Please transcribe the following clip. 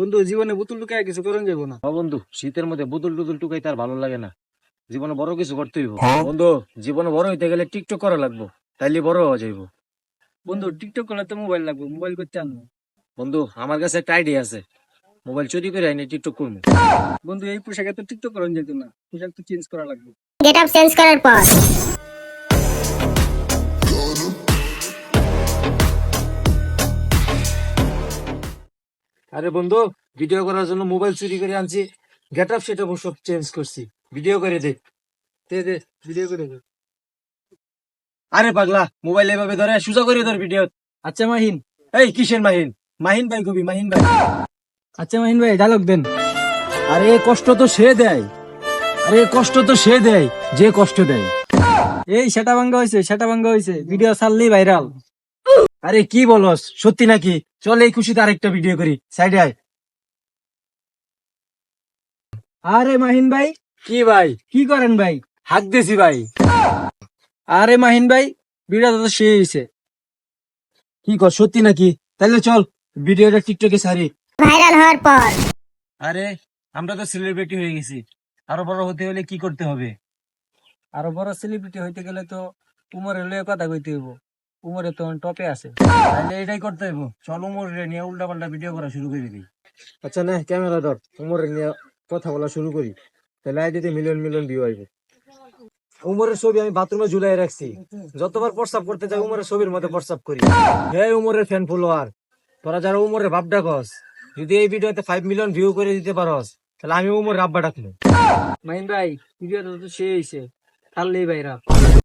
বন্ধু জীবনে বোতল টুকায় কিছু করেন যাবো না। বন্ধু শীতের মধ্যে বুদুল টুদুল টুকাই তার ভালো লাগে না। জীবনে বড় কিছু করতে হইব বন্ধু। জীবনে বড় হইতে গেলে টিকটক করা লাগবো, তাইলে বড় হওয়া যাইব। বন্ধু টিকটক করলে তো মোবাইল লাগবে, মোবাইল করতে আনবো। বন্ধু আমার কাছে একটা আইডিয়া আছে, মোবাইল চুরি করে আইনি টিকটক করবো। বন্ধু এই পোশাকে তো টিকটক করেন যেত না, পোশাক তো চেঞ্জ করা লাগবে। গেট আপ চেঞ্জ করার পর আরে বন্ধু, ভিডিও করার জন্য মোবাইল চুরি করে আনছি, গেট আপ সেটা সব চেঞ্জ করছি, ভিডিও করে দে। দে দে ভিডিও করে দে। আরে পাগলা, মোবাইল এভাবে ধরে সোজা করে ধর ভিডিও। আচ্ছা মাহিন। এই কিসের মাহিন? মাহিন ভাই কবি, মাহিন ভাই। আচ্ছা মাহিন ভাই ডায়লগ দেন। আরে কষ্ট তো সে দেয়, আরে কষ্ট তো সে দেয় যে কষ্ট দেয়। এই সেটা ভাঙ্গা হয়েছে, সেটা ভাঙ্গা হয়েছে, ভিডিও ছাড়লেই ভাইরাল। আরে কি বলস, সত্যি নাকি? চল এই খুশিতে আরেকটা ভিডিও করি, সাইডে আয়। আরে মাহিন ভাই কি ভাই? কি করেন ভাই? হাক দিছি ভাই। আরে মাহিন ভাই ভিডিওটা তো শেষ হয়েছে। কি কর, সত্যি নাকি? তাহলে চল ভিডিওটা টিকটকে ছাড়ি। ভাইরাল হওয়ার পর আরে আমরা তো সেলিব্রিটি হয়ে গেছি, আরো বড় হতে হলে কি করতে হবে? আরো বড় সেলিব্রিটি হইতে গেলে তো উমরের লয়ে কথা কইতে হইব। উমরে তো টপে আছে। তাহলে এটাই করতে হইব, চল উমর নিয়ে উল্টা পাল্টা ভিডিও করা শুরু করে দিই। আচ্ছা না, ক্যামেরা ধর, উমরের নিয়ে কথা বলা শুরু করি, তাহলে আইডিতে মিলিয়ন মিলিয়ন ভিউ আইবে। উমরের ছবি আমি বাথরুমে ঝুলাই রাখছি, যতবার প্রস্তাব করতে যাই উমরের ছবির মধ্যে প্রস্তাব করি। হে উমরের ফ্যান ফলোয়ার, তোরা যারা উমরের বাপ ডাকস, যদি এই ভিডিওতে 5 মিলিয়ন ভিউ করে দিতে পারস, তাহলে আমি উমর রাব্বা ডাকবো। মাহিন ভাই ভিডিওটা তো শেষ হয়েছে, ছাড়লেই ভাইরাল।